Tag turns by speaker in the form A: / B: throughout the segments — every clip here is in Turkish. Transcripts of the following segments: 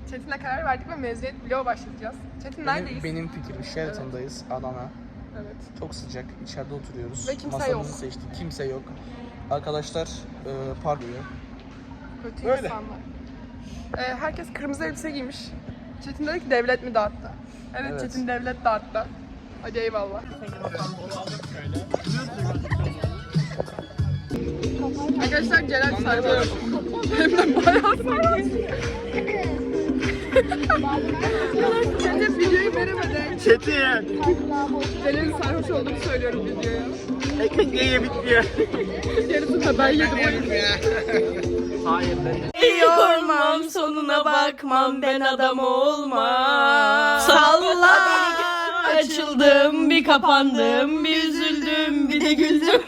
A: Çetin'le karar verdik ve mezuniyet vlogu başlatacağız. Çetin neredeyiz?
B: Benim fikrim Sheraton'dayız, Adana.
A: Evet.
B: Çok sıcak, içeride oturuyoruz.
A: Ve kimse
B: Masamızı
A: yok.
B: seçtik, kimse yok. Arkadaşlar parlıyor.
A: Kötü
B: Öyle.
A: insanlar. Herkes kırmızı elbise giymiş. Çetin dedi ki devlet mi dağıttı? Evet. Çetin devlet dağıttı. Hadi eyvallah. Arkadaşlar Celal sarhoş. Hem de bayağı sarhoş. Çetin videoyu veremeden.
B: Çetin!
A: Celal'in sarhoş olduğunu söylüyorum videoya.
B: Ekmek niye bitmiyor?
A: Yarısını ben yedim o yüzden.
B: Hayır ben de.
C: Yormam sonuna bakmam ben adam olmam. Salla açıldım bir kapandım bir üzüldüm bir de güldüm.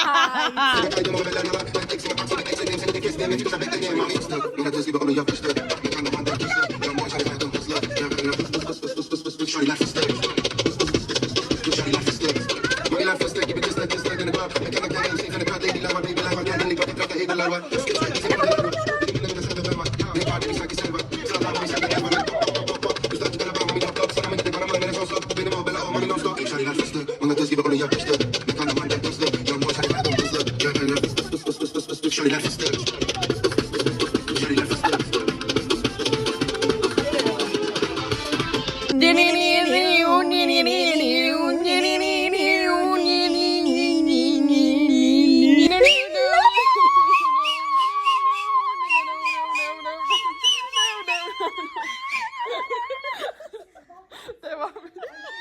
A: Devam et.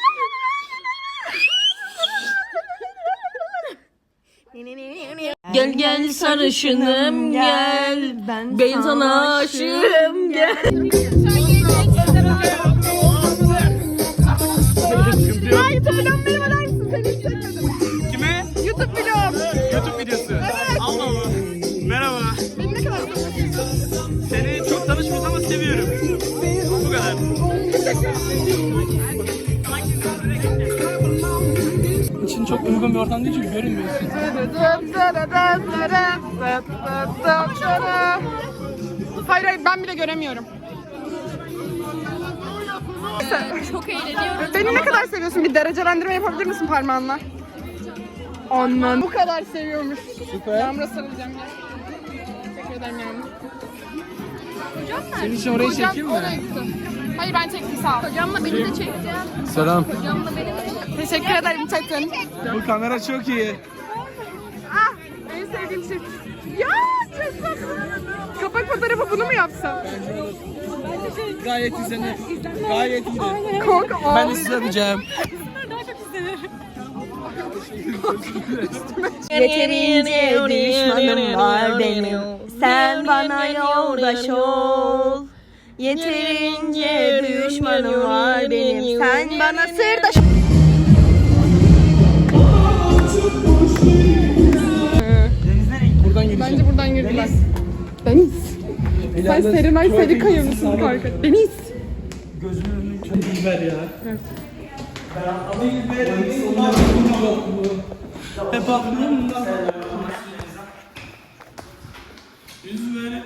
C: Gel gel sarışınım gel ben sana aşığım gel.
A: YouTube'dan merhaba der misin? Seni hiç çekmedim.
B: Kime?
A: YouTube vlog.
B: YouTube videosu.
A: Evet.
B: Allah Allah. Merhaba.
A: Beni ne kadar seviyorsun?
B: Seni çok tanışmıyoruz ama seviyorum. Bu kadar. İçin çok uygun bir ortam değil çünkü görünmüyorsun.
A: Hayır ben bile göremiyorum.
C: Çok eğleniyorum.
A: Beni ne kadar seviyorsun? Bir derecelendirme yapabilir misin parmağınla? Annen bu kadar seviyormuş.
B: Süper.
A: Yağmur'a sarılacağım ya. Teşekkür ederim Yağmur.
B: Senin için orayı
A: Hocam
B: çekeyim mi?
A: oraya gitti. Hayır ben çektim sağ ol. Hocamla beni de çekeceğim.
B: Selam.
A: Hocamla beni de çekeceğim. Teşekkür ederim Çetin.
B: Bu kamera çok iyi.
A: Ah en sevdiğim şey. Ya çok tatlı. Kapak fotoğrafı bunu mu yapsam?
B: Gayet izlenir. Gayet iyi.
A: Kanka
B: Ben
A: ağlayacağım.
B: izlemeyeceğim.
C: Yeterince düşmanım var benim. Sen bana yoldaş ol. Yeterince düşmanım var benim. Sen bana sırdaş ol.
B: Buradan gireceğim.
A: Bence buradan girdiler. Deniz. Sen Serenay Sarıkaya mısın kanka? Deniz.
B: Gözümün önünü çok ver ya.
A: Evet.
B: Hep aklımda. Yüzüme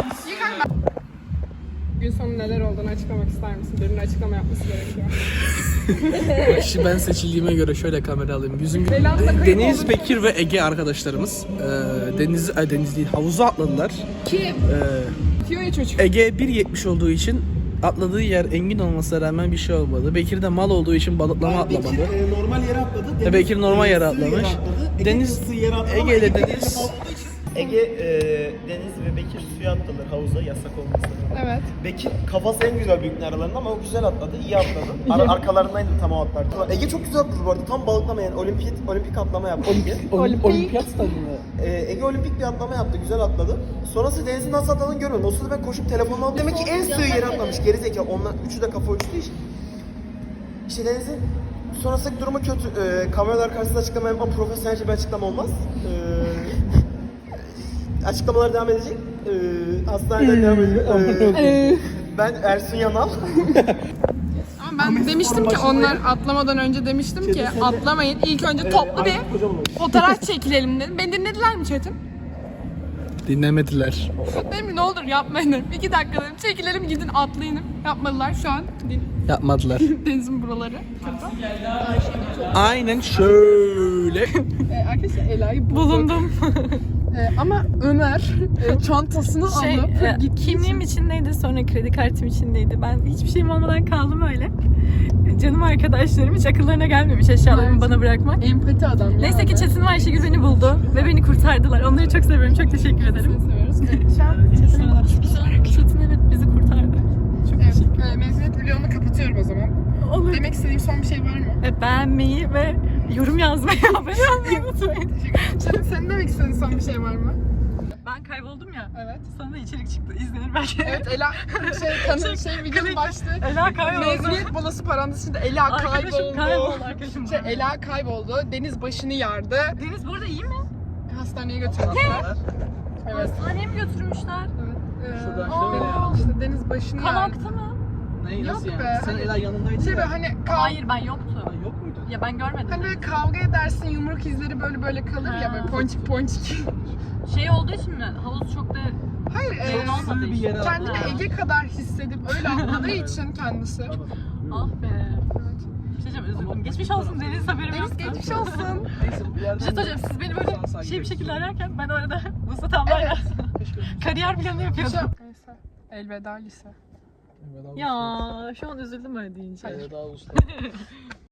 A: Gün sonu neler olduğunu açıklamak ister misin? Birinin açıklama yapması gerekiyor.
B: Şimdi ben seçildiğime göre şöyle kamera alayım.
A: Belansa kayıp
B: Deniz,
A: oldu.
B: Bekir ve Ege arkadaşlarımız Deniz değil havuza atladılar.
A: Kim? Diyor ya çocuk.
B: Ege 1.70 olduğu için atladığı yer engin olmasına rağmen bir şey olmadı. Bekir de mal olduğu için balıklama atlamadı.
D: Bekir normal yere atladı.
B: Bekir normal yere atlamış.
D: Deniz yere atladı.
B: Ege ile Deniz
D: Ege, Deniz ve Bekir suya atladılar havuza yasak olmasına.
A: Evet.
D: Bekir kafası en güzel büyük aralarında ama o güzel atladı, iyi atladı. Arkalarındaydı tam o atlardı. Ege çok güzel atladı bu arada. Tam balıklama yani olimpik atlama yaptı Ege.
B: Olimpiyat stadında.
D: Ege olimpik bir atlama yaptı, güzel atladı. Sonrası Deniz'in nasıl atladığını görmedim. O sırada ben koşup telefonumu aldım. Demek ki en sığ yere atlamış. Gerizekalı. Onlar üçü de kafa uçtuğu için. İşte Deniz'in sonrasındaki durumu kötü. Kameralar karşısında açıklama yapmam profesyonelce bir açıklama olmaz. Açıklamalar devam edecek. Hastaneden devam edecek. Ben Ersun Yanal.
A: Ama ben demiştim ki onlar atlamadan önce demiştim ki atlamayın. İlk önce toplu bir fotoğraf çekilelim dedim. Beni dinlediler mi Çetin?
B: Dinlemediler.
A: Dedim ne olur yapmayın dedim. 2 dakika dedim. Çekilelim gidin atlayın. Yapmadılar şu an.
B: Yapmadılar.
A: Denizin buraları.
B: Aynen şöyle.
A: Arkadaşlar Ela'yı bulundum. Ama Ömer çantasını alıp gitti.
C: Kimliğim içindeydi, sonra kredi kartım içindeydi. Ben hiçbir şeyim olmadan kaldım öyle. Canım arkadaşlarım hiç akıllarına gelmemiş eşyalarımı bana bırakmak.
A: Empati adam ya.
C: Neyse ki Çetin ve Ayşegül beni buldu ve beni kurtardılar. Onları çok seviyorum, çok teşekkür ederim.
A: seviyoruz. Şu an
C: Çetin evet bizi kurtardı. Çok teşekkür ederim.
A: mezuniyet vlogunu kapatıyorum o zaman.
C: Olur.
A: Demek istediğim son bir şey var mı?
C: Beğenmeyi ve yorum yazmayı, abone olmayı unutmayın.
A: Çetin senin demek istediğin son bir şey var mı?
C: Ben kayboldum ya.
A: Evet.
C: Sana da içerik çıktı. İzlenir belki.
A: Evet Ela videonun başlığı.
C: Ela kayboldu.
A: Mezuniyet balası parantez içinde Ela
C: Arkadaşım kayboldu arkadaşım.
A: Ela kayboldu. Deniz başını yardı.
C: Deniz bu arada iyi mi?
A: Hastaneye götürmüşler. Evet.
C: Hastaneye mi götürmüşler?
B: Şuradan
A: İşte Deniz başını
C: Kan
A: yardı.
C: aktı mı?
B: Neyi
A: Yok
B: nasıl
A: be,
B: yani? Sen
A: hani-
B: Ela yanındaydın
A: Şey
B: ya.
A: böyle hani
C: Hayır ben yoktu.
B: Yok muydu?
C: Ya ben görmedim.
A: Hani böyle kavga edersin yumruk izleri böyle kalır ya böyle
C: Ha.
A: ponçik ponçik.
C: Şey olduğu için mi? Havuz çok da
A: Hayır
C: Derin olmadığı
B: bir
C: için.
B: yere
A: kendini
C: Ha.
A: Ege kadar hissedip öyle atladığı için kendisi.
C: Ah be. Bir şey diyeceğim özür dilerim. Geçmiş olsun Deniz haberim
A: Deniz
C: yoktu.
A: geçmiş olsun.
B: Neyse bu yerden
C: Bir şey söyleyeceğim siz beni böyle şey bir şekilde ararken ben orada Mustafa ablayla kariyer planı yapıyordum.
A: Neyse. Elveda lise.
C: Ya şu an üzüldüm öyle deyince.
B: Elveda usta.